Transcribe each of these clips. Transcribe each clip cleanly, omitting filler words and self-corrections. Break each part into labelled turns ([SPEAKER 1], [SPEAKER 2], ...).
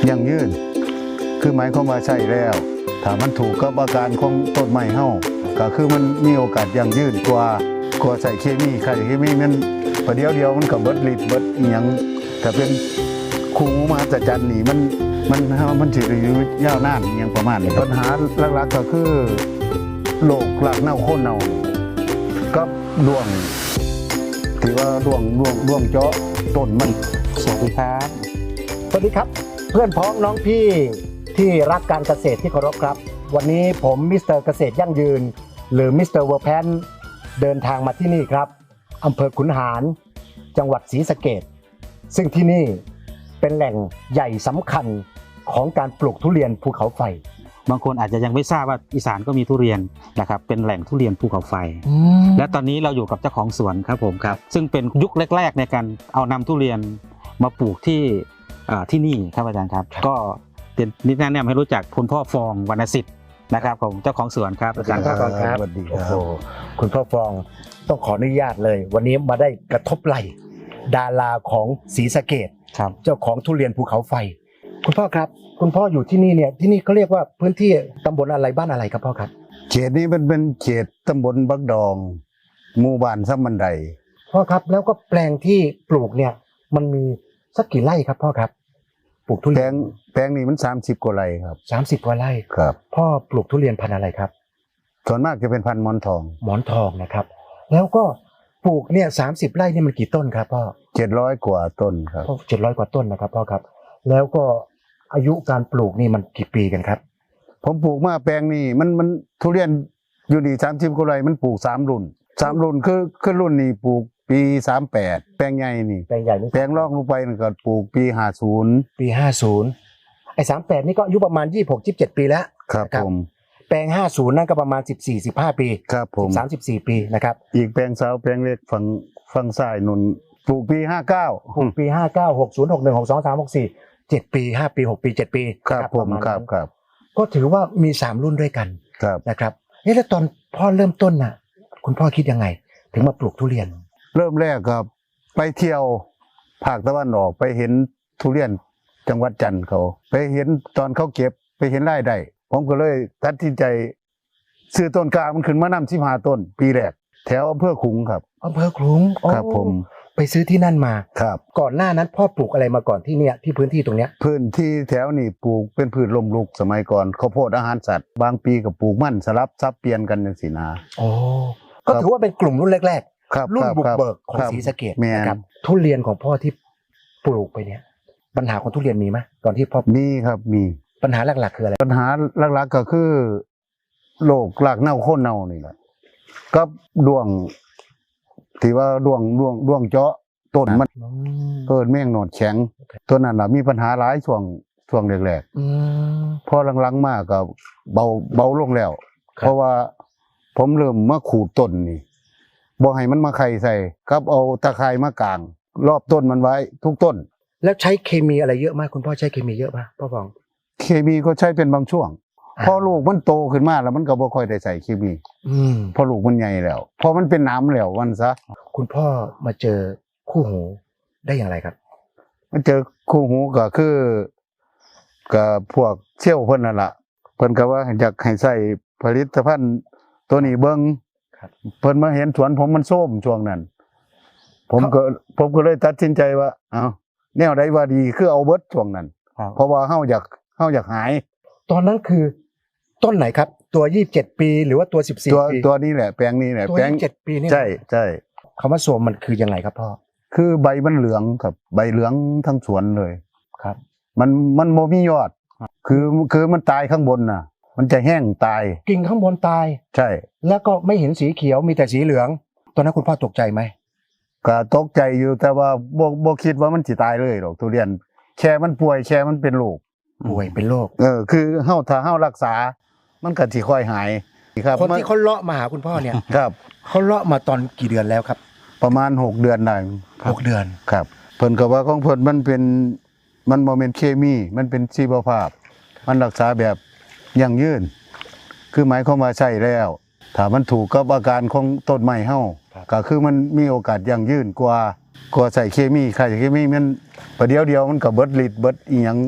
[SPEAKER 1] ยั่งยืนคือหมายความว่าใช่แล้วถ้ามันถูกกับอาการของต้นไม้เฮาก็คือมันมีโอกาสยั่งยืนกว่าใส่เคมีใส่เคมีมันประเดี๋ยวเดียวมันก็เบิดฤทธิ์เบิดอีหยังถ้าเป็นคู่มหัศจรรย์นี่มันสิอยู่ยาวนานอย่างประมาณนี้ปัญหาหลักๆก็คือโรครากเน่าโคนเน่ากับร่วงที่ว่าร่วงเจาะต้นมัน
[SPEAKER 2] สวัสดีครับ
[SPEAKER 3] สวัสดีครับเพื่อนพ้องน้องพี่ที่รักการเกษตรที่เคารพครับวันนี้ผมมิสเตอร์เกษตรยั่งยืนหรือมิสเตอร์เวอร์แพนเดินทางมาที่นี่ครับอำเภอขุนหารจังหวัดศรีสะเกษซึ่งที่นี่เป็นแหล่งใหญ่สำคัญของการปลูกทุเรียนภูเขาไฟ
[SPEAKER 2] บางคนอาจจะยังไม่ทราบว่าอีสานก็มีทุเรียนนะครับเป็นแหล่งทุเรียนภูเขาไฟและตอนนี้เราอยู่กับเจ้าของสวนครับผมครับซึ่งเป็นยุคแรกๆในการเอานำทุเรียนมาปลูกที่นี่ครับอาจารย์ครับก็เป็นนิดแนะนำให้รู้จักคุณพ่อฟองวรรณสิทธิ์นะครับผมเจ้าของสวนครับอาจารย์ครับ
[SPEAKER 3] สวัสดีครับคุณพ่อฟองต้องขออนุญาตเลยวันนี้มาได้กระทบไหล่ดาราของศรีสะเกษเจ้าของทุเรียนภูเขาไฟคุณพ่อครับคุณพ่ออยู่ที่นี่เนี่ยที่นี่เขาเรียกว่าพื้นที่ตำบลอะไรบ้านอะไรครับพ่อครับ
[SPEAKER 1] เขตนี้มันเป็นเขตตำบลบักดองหมู่บ้านซ้ำบันได
[SPEAKER 3] พ่อครับแล้วก็แปลงที่ปลูกเนี่ยมันมีสักกี่ไร่ครับพ่อครับปลูกทุเรียน
[SPEAKER 1] แปลงนี้มัน30กว่าไร่ครับ
[SPEAKER 3] 30กว่าไร่
[SPEAKER 1] ครับพ่
[SPEAKER 3] อปลูกทุเรียนพันธุ์อะไรครับ
[SPEAKER 1] ส่วนมากจะเป็นพันธุ์หมอนทอง
[SPEAKER 3] นะครับแล้วก็ปลูกเนี่ย30ไร่นี่มันกี่ต้นครับพ่อ
[SPEAKER 1] 700กว่าต้นครับ
[SPEAKER 3] 700กว่าต้นนะครับพ่อครับแล้วก็อายุการปลูกนี่มันกี่ปีกันครับ
[SPEAKER 1] ผมปลูกมาแปลงนี้มันทุเรียนอยู่ดี30กว่าไร่มันปลูก3รุ่นคือรุ่นนี้ปลูกปี38แปลงใหญ่นี่
[SPEAKER 3] แปลงใหญ่นี่
[SPEAKER 1] แปลงรองลงไปก็ปลูกปี
[SPEAKER 3] 50ไอ้38นี่ก็อายุประมาณ26-27ปีแล้ว
[SPEAKER 1] ครับผม
[SPEAKER 3] แปลง50นั่นก็ประมาณ14-15ปี
[SPEAKER 1] ครับผม
[SPEAKER 3] 13-14ปีนะครับ
[SPEAKER 1] อีกแปลงสาวแปลงเล็กฝั่งซ้ายนุ่นปลูกปี59
[SPEAKER 3] ปี59 60 61 62 63 64 7ปี5ปี6ปี7ปี
[SPEAKER 1] ครับผมครับ
[SPEAKER 3] ก็ถือว่ามี3รุ่นด้วยกันนะครับแล้วตอนพ่อเริ่มต้นน่ะคุณพ่อคิดยังไงถึงมาปลูกทุเรียน
[SPEAKER 1] เริ่มแรกครับไปเที่ยวภาคตะวันออกไปเห็นทุเรียนจังหวัดจันทร์เขาไปเห็นตอนเขาเก็บไปเห็นรายได้ผมก็เลยตัดสินใจซื้อต้นกล้ามันขึ้นมานำ15ต้นปีแรกแถวอำเภอขลุงครับ
[SPEAKER 3] อำเภอขลุง
[SPEAKER 1] ครับผม
[SPEAKER 3] ไปซื้อที่นั่นมา
[SPEAKER 1] ครับ
[SPEAKER 3] ก่อนหน้านั้นพ่อปลูกอะไรมาก่อนที่เนี่ยที่พื้นที่ตรงเนี้ย
[SPEAKER 1] พื้นที่แถวนี่ปลูกเป็นพืชลมลุกสมัยก่อนข้าวโพดอาหารสัตว์บางปีก็ปลูกมันสลับซับเปลี่ยนกันจังซี่นะ
[SPEAKER 3] ก็ถือว่าเป็นกลุ่มรุ่นแรกรุ่นบุกเบิกของศรีสะเกษนะครับทุเรียนของพ่อที่ปลูกไปเนี่ยปัญหาของทุเรียนมีไหมตอนที่พ่อ
[SPEAKER 1] มีครับมี
[SPEAKER 3] ปัญหาหลักๆคืออะไร
[SPEAKER 1] ปัญหาหลักๆก็คือโรครากเน่าโคนเน่านี่แหละกับด้วงที่ว่าด้วงเจาะต้นมันแม่งหนอดแข็งตัวนั้นมีปัญหาหลายช่วงแรกๆพอหลังๆมาก็เบาลงแล้วเพราะว่าผมเริ่มมาขูดต้นนี่บ่ให้มันมาไข่ใส่กับเอาตะไคร้มากางรอบต้นมันไว้ทุกต้น
[SPEAKER 3] แล้วใช้เคมีอะไรเยอะมากคุณพ่อใช้เคมีเยอะป่ะพ่อฟอง
[SPEAKER 1] เคมีก็ใช้เป็นบางช่วงพอลูกมันโตขึ้นมาแล้วมันก็บ่ค่อยได้ใส่เคมีพอลูกมันใหญ่แล้วพอมันเป็นน้ำแล้ววันซะ
[SPEAKER 3] คุณพ่อมาเจอคู่หูได้อย่างไรครับ
[SPEAKER 1] มาเจอคู่หูก็คือกับพวกเชี่ยวเพิ่นนั่นล่ะเพิ่นก็ว่าอยากให้ใส่ผลิตภัณฑ์ตัวนี้เบิ่งเพิ่นมาเห็นสวนผมมันส้มช่วงนั้นผมก็เลยตัดสินใจว่าแนวใดว่าดีคือเอาเบิดช่วงนั้นเพราะว่าเฮาอยากหาย
[SPEAKER 3] ตอนนั้นคือต้นไหนครับตัว27ปีหรือว่าตัว14ปี
[SPEAKER 1] ตัวนี้แหละแปลงนี้แหละ
[SPEAKER 3] แปลง27ปีนี่
[SPEAKER 1] ใช่
[SPEAKER 3] คำว่าส้มมันคือยังไงครับพ่อ
[SPEAKER 1] คือใบมันเหลืองครับใบเหลืองทั้งสวนเลย
[SPEAKER 3] ครับ
[SPEAKER 1] มันโมมียอดคือมันตายข้างบนน่ะมันจะแห้งตาย
[SPEAKER 3] กิ่งข้างบนตาย
[SPEAKER 1] ใช่
[SPEAKER 3] แล้วก็ไม่เห็นสีเขียวมีแต่สีเหลืองตอนนั้นคุณพ่อตกใจไหม
[SPEAKER 1] ก็ตกใจอยู่แต่ว่าบ่คิดว่ามันสิตายเลยหรอกทุเรียนแค่มันป่วยแค่มันเป็นโรค
[SPEAKER 3] ป่วยเป็นโรค
[SPEAKER 1] คือถ้าเฮารักษามันก็สิค่อยหาย
[SPEAKER 3] ครับคนที่เขาเลาะมาหาคุณพ่อเนี่ย
[SPEAKER 1] ครับ
[SPEAKER 3] เขาเลาะมาตอนกี่เดือนแล้วครับ
[SPEAKER 1] ประมาณ6เดือนได้
[SPEAKER 3] 6เดือน
[SPEAKER 1] ครับเพิ่นก็ว่าของเพิ่นมันบ่แม่นเคมีมันเป็นชีวภาพมันรักษาแบบยั่งยืนคือหมายความว่าใช่แล้วถ้ามันถูกกับอาการของต้นไม้เฮาก็คือมันมีโอกาสยั่งยืนกว่าใส่เคมีมันประเดี๋ยวเดียวมันก็เบิดฤทธิ์เบิดอีหยัง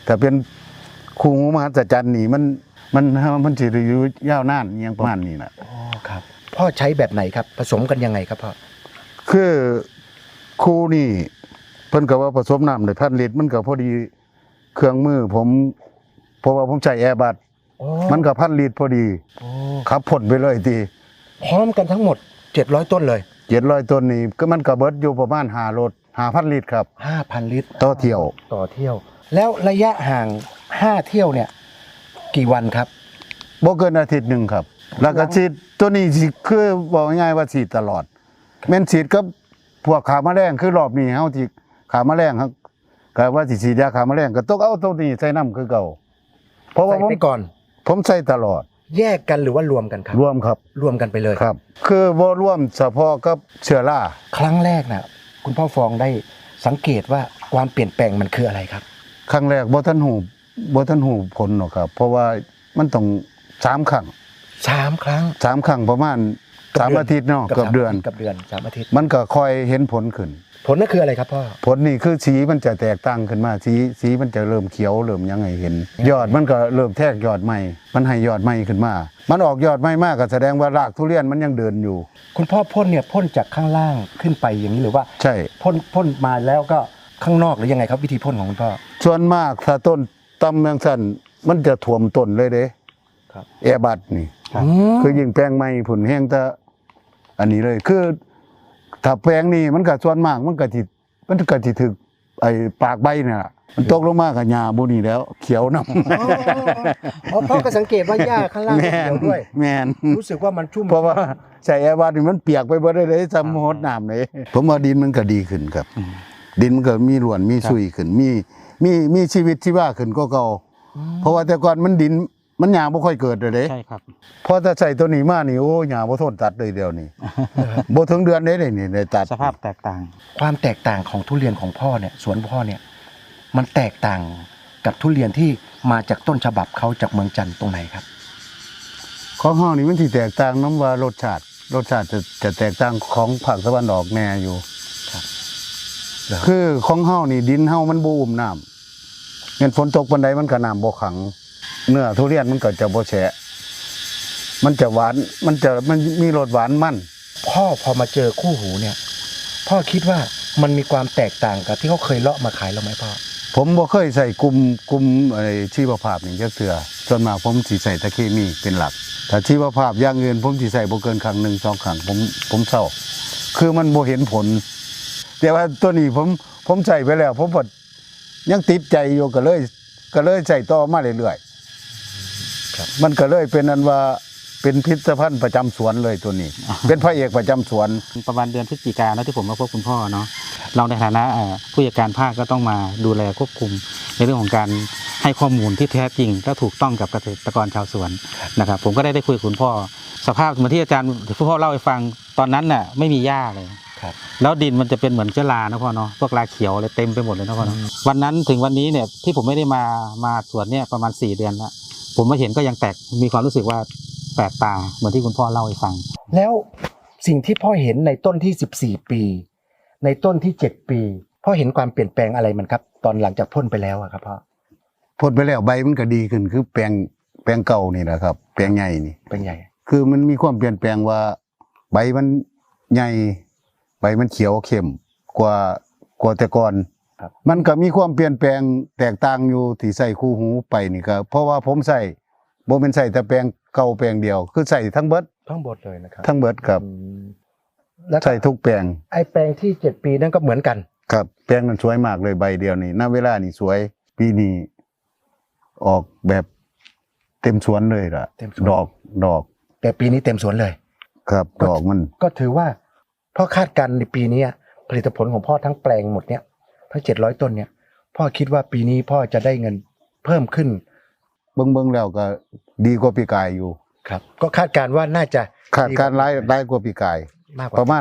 [SPEAKER 1] ถ้าเป็นคู่หูมหัศจรรย์นี่มันสิได้อยู่ยาวนานอหยังประมาณนี้น่ะ
[SPEAKER 3] อ๋อครับพ่อใช้แบบไหนครับผสมกันยังไงครับพ่อ
[SPEAKER 1] คือคู่นี่เพิ่นก็ว่าผสมน้ำได้1,000 ลิตรมันก็พอดีเครื่องมือผมเพราะว่าผมใช้แอร์บัส
[SPEAKER 3] โอ้
[SPEAKER 1] มันก็1,000 ลิตรพอดี
[SPEAKER 3] โอ้
[SPEAKER 1] ขับพ่นไปเลยที
[SPEAKER 3] พร้อมกันทั้งหมด700ต้นเลย
[SPEAKER 1] 700ต้นนี่ก็มันก็เบิดอยู่ประมาณ5รถ 5,000 ลิตรครับ
[SPEAKER 3] 5,000 ลิตร
[SPEAKER 1] ต่อเที่ยว
[SPEAKER 3] ต่อเที่ยว แล้วระยะห่าง5เที่ยวเนี่ยกี่วันครับ
[SPEAKER 1] บ่เกินอาทิตย์หนึงครับ แล้วก็ฉีดตัวนี้สิคือบอกง่ายๆว่าฉีดตลอดแม่นฉีดกับพวกขาแมลงคือรอบนี้เฮาที่ขาแมลงครับก็ว่าสิฉีดยาขาแมลงก็ต้องเอาตัวนี้ใส่น้ำคือเก่าเพราะว่า
[SPEAKER 3] ใส่ไปก่อน
[SPEAKER 1] ผมใส่ตลอด
[SPEAKER 3] แยกกันหรือว่ารวมกันครับ
[SPEAKER 1] รวมครับ
[SPEAKER 3] รวมกันไปเลย
[SPEAKER 1] ครับ คือบ่รวมเฉพาะกับเชื้อรา
[SPEAKER 3] ครั้งแรกนะคุณพ่อฟองได้สังเกตว่าความเปลี่ยนแปลงมันคืออะไรครับ
[SPEAKER 1] ครั้งแรกบ่ทันหูผลหรอกครับ เพราะว่ามันต้อง3ครั้ง
[SPEAKER 3] 3 ครั้ง
[SPEAKER 1] 3ครั้งประมาณ3อาทิตย์เนาะเกือบเดือน
[SPEAKER 3] กับเดือน3อาทิตย์
[SPEAKER 1] มันก็ค่อยเห็นผลขึ้น
[SPEAKER 3] ผลนั่นคืออะไรครับพ่อ
[SPEAKER 1] ผลนี่คือสีมันจะแตกต่างขึ้นมาสีมันจะเริ่มเขียวเริ่มยังไงเห็น ยอดมันก็เริ่มแทกยอดใหม่มันให้ยอดใหม่ขึ้นมา มันออกยอดใหม่มากก็แสดงว่ารากทุเรียนมันยังเดินอยู่
[SPEAKER 3] คุณพ่อพ่นเนี่ยพ่นจากข้างล่างขึ้นไปอย่างนี้หรือว่า
[SPEAKER 1] ใช่
[SPEAKER 3] พ่นมาแล้วก็ข้างนอกหรือยังไงครับวิธีพ่นของคุณพ่อ
[SPEAKER 1] ส่วนมากถ้าต้นตำเมืองสั้นมันจะท่วมต้นเลยเด้
[SPEAKER 3] ครับ
[SPEAKER 1] แอร์บัดนี่
[SPEAKER 3] ครับ
[SPEAKER 1] คือยิ่งแปลงใหม่ผุนแห้งแต่อันนี้เลยคือถ้าแปลงนี้มันก็ส่วนมากมันก็สิถึกไอ้ปากใบเนี่ยล่ะมันตกลงมากับหญ้าบ่นี่แล้ว เขียวนำ
[SPEAKER 3] อ๋อพ่อก็สังเกตว่าหญ้าข้างล่างเขียวด้วย
[SPEAKER 1] แม่น
[SPEAKER 3] รู้สึกว่ามันชุ่ม
[SPEAKER 1] เพราะว่าใส่แอร์บัดนี่มันเปียกไปเบิดเลยซ้ำหดน้ำเลยผมว่าดินมันก็ดีขึ้นครับ ดินมันก็มีร่วนมีซุยขึ้นมีชีวิตชีวาขึ้นก็เก่าเพราะว่าแต่ก่อนมันดินมันหญ้าบ่ค่อยเกิดเลยเด้
[SPEAKER 2] ใช่ครับ
[SPEAKER 1] พอถ้าใส่ตัวนี้มานี่โอ้หญ้าบ่ทนตัดเลยเดียวนี่ บ่ถึงเดือนเด้นี่ได้ตัด
[SPEAKER 2] สภาพแตกต่าง
[SPEAKER 3] ความแตกต่างของทุเรียนของพ่อเนี่ยสวนพ่อเนี่ยมันแตกต่างกับทุเรียนที่มาจากต้นฉบับเขาจากเมืองจันทร์ตรงไหนครับ
[SPEAKER 1] ของเฮานี่มันสิแตกต่างน้ำว่ารสชาติจะแตกต่างของภาคตะวันออกแน่อยู่
[SPEAKER 3] ครับ
[SPEAKER 1] คือของเฮานี่ดินเฮามันบ่อุ้มน้ำแม่นฝนตกปานใดมันก็น้ำบ่ขัง เนื้อทุเรียนมันก็จะบ่แฉะมันจะหวานมันมีรสหวานมัน
[SPEAKER 3] พ่อพอมาเจอคู่หูเนี่ย พ่อคิดว่ามันมีความแตกต่างกับที่เขาเคยเลาะมาขายเราไหมพ่อ
[SPEAKER 1] ผมบ่เคยใส่กลุ่มไอ้ชีวภาพนี่จักเทื่อส่วนมากผมสิใส่ตะเคมีเป็นหลักถ้าชีวภาพอย่างอื่นผมสิใส่บ่เกินครั้งหนึ่งสองครั้งผมเศร้าคือมันบ่เห็นผล แต่ว่าตัวนี้ผมใส่ไปแล้ว ผมก็ยังติดใจอยู่ก็เลยใส่ต่อมาเรื่อยๆมันก็เลยเป็นอันว่าเป็นพิพิธภัณฑ์ประจำสวนเลยตัวนี้ เป็นพระเอกประจำสวน
[SPEAKER 2] ประมาณเดือนพฤศจิกายนแล้วที่ผมมาพบคุณพ่อเนาะเราในฐานะผู้จัดการภาคก็ต้องมาดูแลควบคุมในเรื่องของการให้ข้อมูลที่แท้จริงและถูกต้องกับเกษตรกรชาวสวนนะครับผมก็ได้คุยกับคุณพ่อสภาพเหมือนที่อาจารย์คุณพ่อเล่าให้ฟังตอนนั้นน่ะไม่มีหญ้าเลย
[SPEAKER 3] ครับ
[SPEAKER 2] แล้วดินมันจะเป็นเหมือนเชื้อรานะพ่อเนาะพวกราเขียวอะไรเต็มไปหมดเลยนะพ่อเนาะวันนั้นถึงวันนี้เนี่ยที่ผมไม่ได้มาสวนเนี่ยประมาณ4 เดือนแล้วผมมาเห็นก็ยังแตกมีความรู้สึกว่าแปลกตาเหมือนที่คุณพ่อเล่าให้ฟัง
[SPEAKER 3] แล้วสิ่งที่พ่อเห็นในต้นที่14 ปี ในต้นที่7 ปีพ่อเห็นความเปลี่ยนแปลงอะไรมันครับ ตอนหลังจากพ่นไปแล้วอะครับพ่อ
[SPEAKER 1] พ่นไปแล้วใบมันก็ดีขึ้นคือแปลงเก่านี่แหละครับแปลงใหญ่นี่
[SPEAKER 3] เป็นไง
[SPEAKER 1] คือมันมีความเปลี่ยนแปลงว่าใบมันใหญ่ใบมันเขียวเข้มกว่าแต่ก่อน
[SPEAKER 3] ครับ
[SPEAKER 1] มันก็มีความเปลี่ยนแปลงแตกต่างอยู่ที่ใส่คู่หูไปนี่ก็เพราะว่าผมใส่บ่เป็นใส่แต่แปลงเก่าแปลงเดียว คือใส่ทั้งเบิด
[SPEAKER 3] ทั้งหมดเลยนะครับ
[SPEAKER 1] ทั้งเบิดครับ
[SPEAKER 3] แล้ว
[SPEAKER 1] ใส่ทุกแปลง
[SPEAKER 3] ไอ้แปลงที่7 ปีนั่นก็เหมือนกัน
[SPEAKER 1] ครับแปลงนั้นสวยมากเลยใบเดียวนี่ณเวลานี่สวยปีนี้ออกแบบเต็มสวนเลยล่ะ
[SPEAKER 3] เต็มสวน
[SPEAKER 1] ดอก
[SPEAKER 3] แต่ปีนี้เต็มสวนเลย
[SPEAKER 1] ครับดอกมัน
[SPEAKER 3] ก็ถือว่าพ่อคาดการณ์ในปีนี้ผลิตผลของพ่อทั้งแปลงหมดเนี่ยทั้ง700 ต้นเนี่ยพ่อคิดว่าปีนี้พ่อจะได้เงินเพิ่มขึ้น
[SPEAKER 1] เบิ่งแล้วก็ดีกว่าปีกายอยู่
[SPEAKER 3] ครับ ก็คาดการณ์ว่าน่าจะ
[SPEAKER 1] คาดการณ์รายกว่าปีกาย
[SPEAKER 3] มากก
[SPEAKER 1] ป
[SPEAKER 3] ว่า
[SPEAKER 1] ระมาณ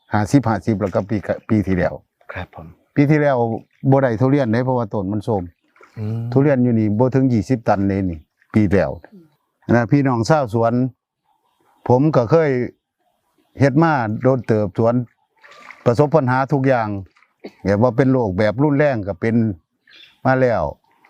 [SPEAKER 1] 50แล้วก็ปีที่แล้ว
[SPEAKER 3] ครับผม
[SPEAKER 1] ปีที่แล้วบ่ได้ทุเรียนเด้เพราะว่าต้นมันโทรม
[SPEAKER 3] อืม
[SPEAKER 1] ทุเรียนอยู่นี่บ่ถึง20 ตันเลยนี่ปีแล้วนะพี่น้องชาวสวน ผมก็เคยเฮ็ดมาโดนเติบสวน ประสบปัญหาทุกอย่างแบบว่าเป็นโรคแบบรุนแรงก็เป็นมาแล้วพอ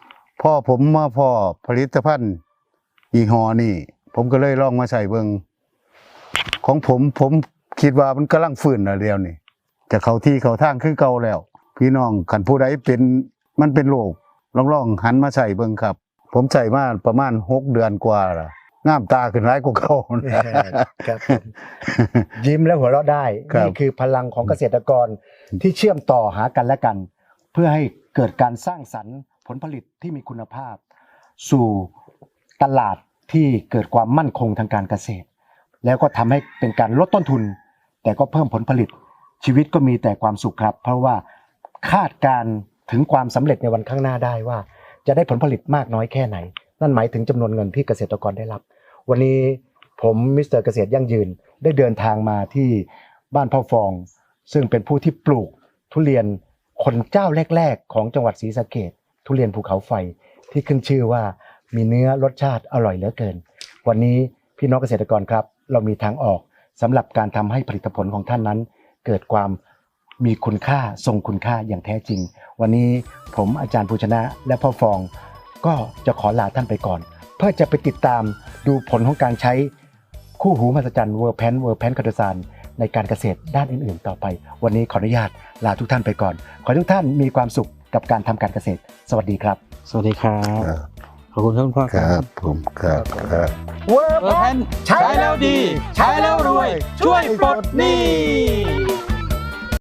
[SPEAKER 1] พ่อผมมาพ่อผลิตภัณฑ์ยี่ห้อนี่ผมก็เลยลองมาใส่เบิ่งของผมคิดว่ามันกำลังฟื้นแล้วเดียวนี่จะเข้าที่เข้าทางคือเก่าแล้ว พี่น้องคันผู้ใดเป็นมันเป็นโรคลองหันมาใส่เบิ่งครับ ผมใส่มาประมาณ6 เดือนกว่าละงามตาขึ้นหลายกว่าเก่านะ
[SPEAKER 3] ครับยิ้มและหัวเราะได้
[SPEAKER 1] ครับ
[SPEAKER 3] นี่คือพลังของเกษตรกรที่เชื่อมต่อหากันและกัน เพื่อให้เกิดการสร้างสรรค์ผลผลิตที่มีคุณภาพ สู่ตลาดที่เกิดความมั่นคงทางการเกษตร แล้วก็ทำให้เป็นการลดต้นทุน แต่ก็เพิ่มผลผลิตชีวิตก็มีแต่ความสุขครับ เพราะว่าคาดการณ์ถึงความสำเร็จในวันข้างหน้าได้ว่าจะได้ผลผลิตมากน้อยแค่ไหน นั่นหมายถึงจำนวนเงินที่เกษตรกรได้รับ วันนี้ผมมิสเตอร์เกษตรยั่งยืนได้เดินทางมาที่บ้านพ่อฟอง ซึ่งเป็นผู้ที่ปลูกทุเรียนคนเจ้าแรกๆของจังหวัดศรีสะเกษทุเรียนภูเขาไฟที่ขึ้นชื่อว่ามีเนื้อรสชาติอร่อยเหลือเกิน วันนี้พี่น้องเกษตรกรครับเรามีทางออกสำหรับการทำให้ผลิตผลของท่านนั้น เกิดความมีคุณค่าทรงคุณค่าอย่างแท้จริง วันนี้ผมอาจารย์ภูชนะและพ่อฟองก็จะขอลาท่านไปก่อน เพื่อจะไปติดตามดูผลของการใช้คู่หูมหัศจรรย์เวอร์แพนคาโดซานในการเกษตรด้านอื่นๆต่อไป วันนี้ขออนุญาตลาทุกท่านไปก่อน ขอให้ทุกท่านมีความสุขกับการทำการเกษตร สวัสดีครับ
[SPEAKER 2] สวัสดีครับ ขอบคุณครับคุณพ่อ
[SPEAKER 1] ค
[SPEAKER 2] ค
[SPEAKER 1] รั
[SPEAKER 2] รั
[SPEAKER 1] บบ ผมครับ
[SPEAKER 3] เวอร์
[SPEAKER 2] เออแพนใช้แล้วดี ใช้แล้วรวย ช่วยปลดหนี้